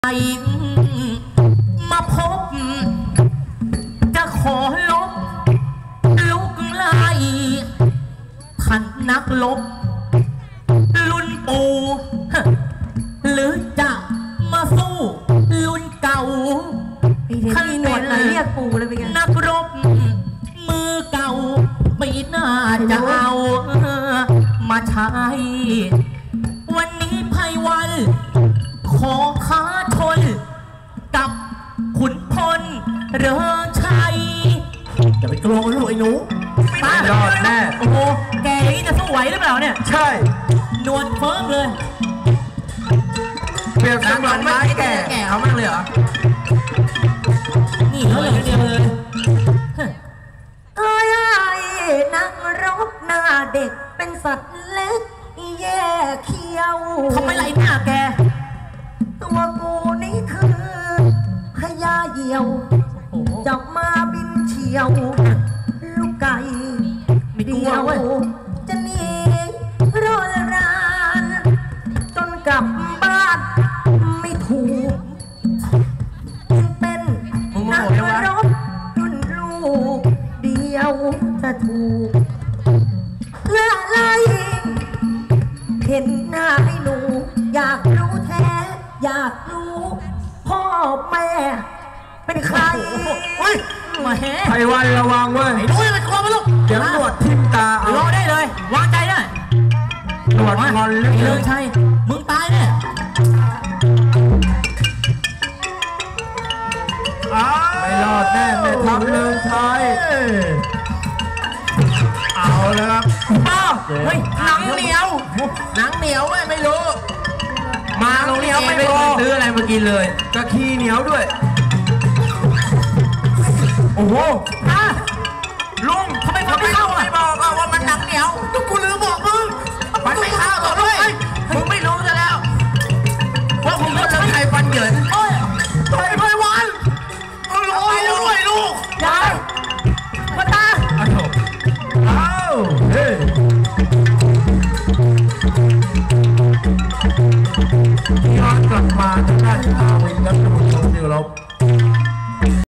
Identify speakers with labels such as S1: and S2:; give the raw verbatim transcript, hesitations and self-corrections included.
S1: มาพบจะขอลบลุกไล่ท่านนักลบรุ่นปู่หรือจะมาสู้รุ่นเก่า
S2: ท่านหนวดไหนเรียกปู่เลยเป็นไง
S1: นักรบมือเก่าไม่น่าจะเอามาใช้วันนี้ไพวันขอค้าชนกับขุนพลเรือชัยอย่าไปกลัวลูกไอ้หนู
S3: ไม่รอดแน่
S1: โอ้โหแกอย่างนี้จะสู้ไหวหรือเปล่าเนี่ย
S3: ใช่
S1: นวลเฟิร์มเลย
S3: เปรียบเสมือนไม้แก่แก่เขามากเลยเหรอ
S1: นี่เขาอย่างเดียวเลย
S2: เอ้ยนักรบหน้าเด็กเป็นสัตว์เล็กแย่เขี้ยว
S1: ทำไมไหลหน้าแก
S2: ตัวกูนี่คือพญาเหี่ยวจับมาบินเฉียวลูกไก่เดียวจะหนีรอลรานจนกลับบ้านไม่ถูกเป็นนักรบรุ่นลูกเดียวจะถูกละไล่เห็นหน้าให้หนูอยากรู้แท้อยากรู้พ่อแม่เป็นใคร
S1: เฮ้ยมาแห่
S3: ไพวันระวังเว้ย
S1: ดูอย่าไปกลัวมันลูก
S3: เดี๋ยวหนวดทิ่มตาร
S1: อได้เลยวางใจได้
S3: หนวดงอนเ
S1: ลยใช่มึงตายเนี่ย
S3: ไม่รอดแน่แม่ทัพเลิงชัยเอาแล้วครับ
S1: ป้าเฮ้ยหนังเหนียว
S3: หนังเหนียวไม่รู้มาโรงเรียนไม่พอซื้ออะไรมากินเลยกะขี้เหนียวด้วยโอ้โห
S1: ลุงทำไมมันไม่เข้าอ่ะ
S3: บอกว่ามันหนังเหนียว
S1: ทุกคนลืมบอกมึง
S3: มันไม่เข้าหรอกด้วยมึงไม่รู้ซะแล้วว่าผมก็จะใครฟันเหยิน
S1: โอ้ยไปไปวันมึงรู้ด้วยลูก
S2: ยายมาตา
S3: อ้าวเฮ้ยย้อนกลับมาทางด้านอาวินและท่านผู้ชมที่เคารพ